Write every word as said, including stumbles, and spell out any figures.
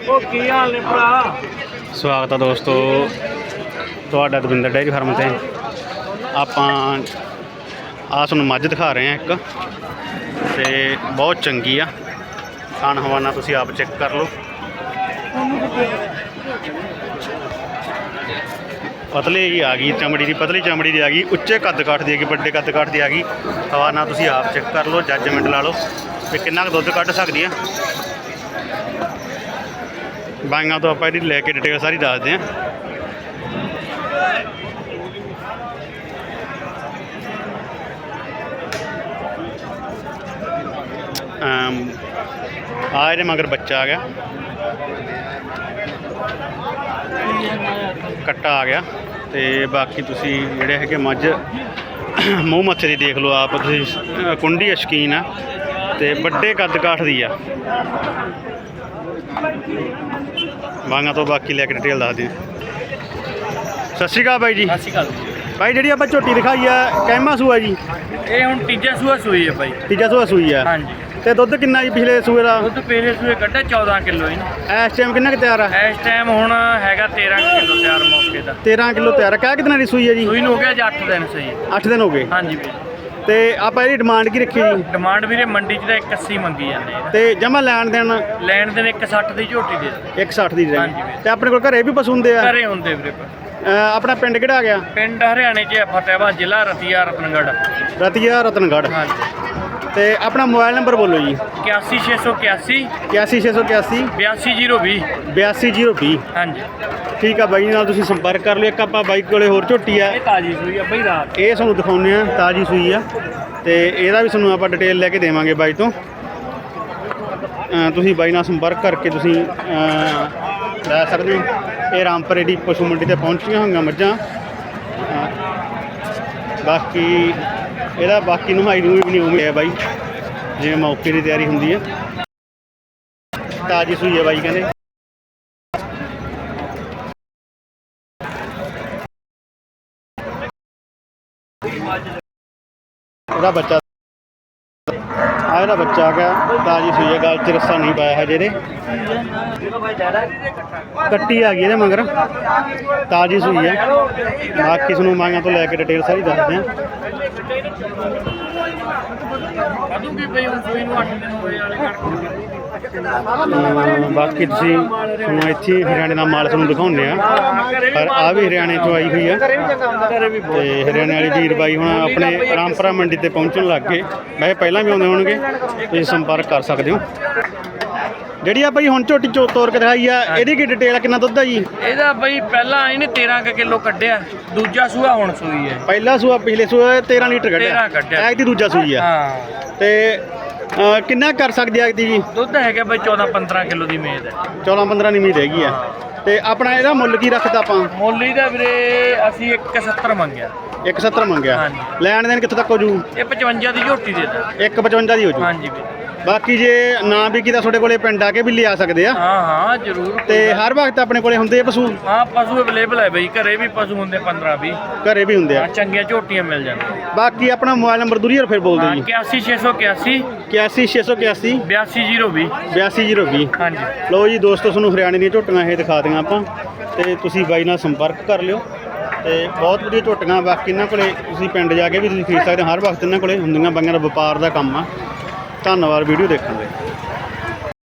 स्वागत है दोस्तों तुहाडा दविंदर डेयरी फार्म से आपां आ तुहानूं मझ दिखा रहे हैं एक ते बहुत चंगी आ खान हवाना तुसीं आप चेक कर लो। पतली जी आ गई चमड़ी की पतली चमड़ी की आ गई उच्चे कद काठ दी आ गई बड़े कद काठ दी आ गई हवाना तुसीं आप चेक कर लो जजमेंट ला लो कि किन्ना कुछ दुध कढ़ सकदी है। बाइयां तो आप लैके डिटेल सारी दसते हैं। आ ये मगर बच्चा आ गया कट्टा आ गया तो बाकी तुसी जेड़े है मझ मूँह मत्थे दी देख लो आप तुसी कुंडी शकीन आ ते बड़े कद काठ दी आ मांगा तो बाकी लैके डिटेल दस दें। सत श्री अकाल भाई जी। सत श्री अकाल भाई जी आप झोटी दिखाई है कैमा सूआ जी ये हुण तीजा सूआ सूई है भाई तीजा सूआ सूई है। हाँ जी तो दुध किन्ना जी पिछले सूए का दुध पिछले सूए कड्ढा चौदह किलो ही इस टाइम किन्ना कुछ तैयार है इस टाइम हुण हैगा तेरह किलो तैयार मौके का तेरह किलो तैयार है। क्या कितना की सूई है जी सूई हो गया जी अठ दिन सही अठ दिन हो गए। हाँ जी तो आप डिमांड की रखी जी डिमांड भी मंडी च एक अस्सी मंगी जाने तो जमा लैन देन लैन देन एक सठ की झोटी दे एक सठ की हाँ जी तो अपने को घरे भी पशु होंगे घरे होंगे वीरे अपना पिंड किहड़ा आ गया पिंड हरियाणे च फतेहाबाद जिला रतिया रतनगढ़ रतिया रतनगढ़। हाँ जी तो अपना मोबाइल नंबर बोलो जी इक्यासी छे सौ इक्यासी इक्यासी छे सौ इक्यासी बयासी जीरो भी बयासी जीरो भी। हाँ जी ठीक है बाई नाल तुसीं संपर्क कर लो। एक आप बाई कोले होर झोटी है ताजी सूई है बई रात ये तुहानूं दिखाउने आ ताजी सूई है तो यदा भी तुहानूं आपां डिटेल लैके देवांगे बाई तो तुसीं बाई नाल संपर्क करके तुसीं लै सकदे हो। ये रामपुरे दी पशु मंडी ते पहुंचियां होईयां मझां बाकी ਇਹਦਾ बाकी नहाई नूई भी नहीं उम्मीद है बाई जिवें मौके की तैयारी होंदी है। ताजी सूई है बाई कहंदे ਇਹਦਾ ਬੱਚਾ ਆ ਇਹਦਾ ਬੱਚਾ ਆ ਗਿਆ ਤਾਜੀ सूई है गल च रस्सा नहीं पाया है जेरे कट्टी आ गई ਇਹਦੇ मगर ताजी सूई है। बाकी ਤੁਹਾਨੂੰ ਮਾਂਗਾਂ ਤੋਂ ਲੈ ਕੇ डिटेल सारी ਦੱਸਦੇ हैं। बाकी तुसीं हुण इत्थे हरियाणे का माल तुहानूं दिखाउने आ पर आ भी हरियाणे चों आई हुई है ते हरियाणे वाली वीर बाई हुण अपने रामपुरा मंडी ते पहुंचण लग गए। वैसे पहलां भी आउंदे होणगे तुसीं संपर्क कर सकते हो। ਜਿਹੜੀ ਆ ਬਈ ਹੁਣ ਝੋਟੀ ਚੋ ਤੋਰ ਕੇ ਦਿਖਾਈ ਆ ਇਹਦੀ ਕੀ ਡਿਟੇਲ ਆ ਕਿੰਨਾ ਦੁੱਧ ਆ ਜੀ ਇਹਦਾ ਬਈ ਪਹਿਲਾਂ ਇਹਨੇ ਤੇਰਾਂ ਕਿਲੋ ਕੱਢਿਆ ਦੂਜਾ ਸੂਆ ਹੁਣ ਸੂਈ ਹੈ ਪਹਿਲਾ ਸੂਆ ਪਿਛਲੇ ਸੂਆ ਤੇਰਾਂ ਲੀਟਰ ਕੱਢਿਆ ਤੇਰਾਂ ਕੱਢਿਆ ਐਗ ਦੀ ਦੂਜਾ ਸੂਈ ਆ ਹਾਂ ਤੇ ਕਿੰਨਾ ਕਰ ਸਕਦੀ ਐਗ ਦੀ ਜੀ ਦੁੱਧ ਹੈਗਾ ਬਈ ਚੌਦਾਂ ਪੰਦਰਾਂ ਕਿਲੋ ਦੀ ਉਮੀਦ ਹੈ ਚੌਦਾਂ ਪੰਦਰਾਂ ਦੀ ਉਮੀਦ ਹੈਗੀ ਆ ਤੇ ਆਪਣਾ ਇਹਦਾ ਮੁੱਲ ਕੀ ਰੱਖਦਾ ਆਪਾਂ ਮੁੱਲ ਇਹਦਾ ਵੀਰੇ ਅਸੀਂ ਇੱਕ ਸੱਤਰ ਮੰਗਿਆ ਇੱਕ ਸੱਤਰ ਮੰਗਿਆ ਲੈਣ ਦੇਣ ਕਿੱਥੋਂ ਤੱਕ ਹੋ ਜੂ ਇਹ ਪਚਵੰਜਾ ਦੀ ਝੋਟੀ ਦੇ ਦਾ ਇੱਕ ਪਚਵੰਜਾ ਦੀ ਹੋ ਜੂ। ਹਾਂਜੀ ਵੀਰੇ बाकी जे ना भी किता ਤੁਹਾਡੇ ਕੋਲੇ ਪਿੰਡ ਆ ਕੇ ਵੀ ਲਿਆ ਸਕਦੇ ਆ। ਹਾਂ ਹਾਂ ਜ਼ਰੂਰ ਤੇ ਹਰ ਵਕਤ ਆਪਣੇ ਕੋਲੇ ਹੁੰਦੇ ਆ ਪਸ਼ੂ ਹਾਂ ਪਸ਼ੂ ਅਵੇਲੇਬਲ ਹੈ ਬਈ ਘਰੇ ਵੀ ਪਸ਼ੂ ਹੁੰਦੇ ਪੰਦਰਾਂ ਵੀਹ ਘਰੇ ਵੀ ਹੁੰਦੇ ਆ ਚੰਗੀਆਂ ਝੋਟੀਆਂ ਮਿਲ ਜਾਂਦੀਆਂ। ਬਾਕੀ ਆਪਣਾ ਮੋਬਾਈਲ ਨੰਬਰ ਦੂਰੀ ਫਿਰ ਬੋਲ ਦਿਓ ਜੀ ਇਕਿਆਸੀ ਛੇ ਸੌ ਇਕਿਆਸੀ ਇਕਿਆਸੀ ਛੇ ਸੌ ਇਕਿਆਸੀ ਬਿਆਸੀ ਜ਼ੀਰੋ ਵੀਹ ਬਿਆਸੀ ਜ਼ੀਰੋ ਵੀਹ। ਹਾਂਜੀ ਲਓ ਜੀ ਦੋਸਤੋ ਤੁਹਾਨੂੰ ਹਰਿਆਣੇ ਦੀਆਂ ਝੋਟੀਆਂ ਇਹ ਦਿਖਾ ਦਿਆਂ ਆਪਾਂ ਤੇ ਤੁਸੀਂ ਬਾਈ ਨਾਲ ਸੰਪਰਕ ਕਰ ਲਿਓ ਤੇ ਬਹੁਤ ਵਧੀਆ ਝੋਟੀਆਂ ਬਾਕੀ ਇਹਨਾਂ ਕੋਲੇ ਤੁਸੀਂ ਪਿੰਡ ਜਾ ਕੇ ਵੀ ਤੁਸੀਂ ਖਰੀਦ ਸਕਦੇ ਹਰ ਵਕਤ ਇਹਨਾਂ ਕੋਲੇ ਹੁੰਦੀਆਂ ਬਾਈਆਂ ਦਾ ਵਪਾਰ ਦਾ ਕੰਮ ਆ। ਧੰਨਵਾਦ ਵੀਡੀਓ ਦੇਖਣ ਲਈ।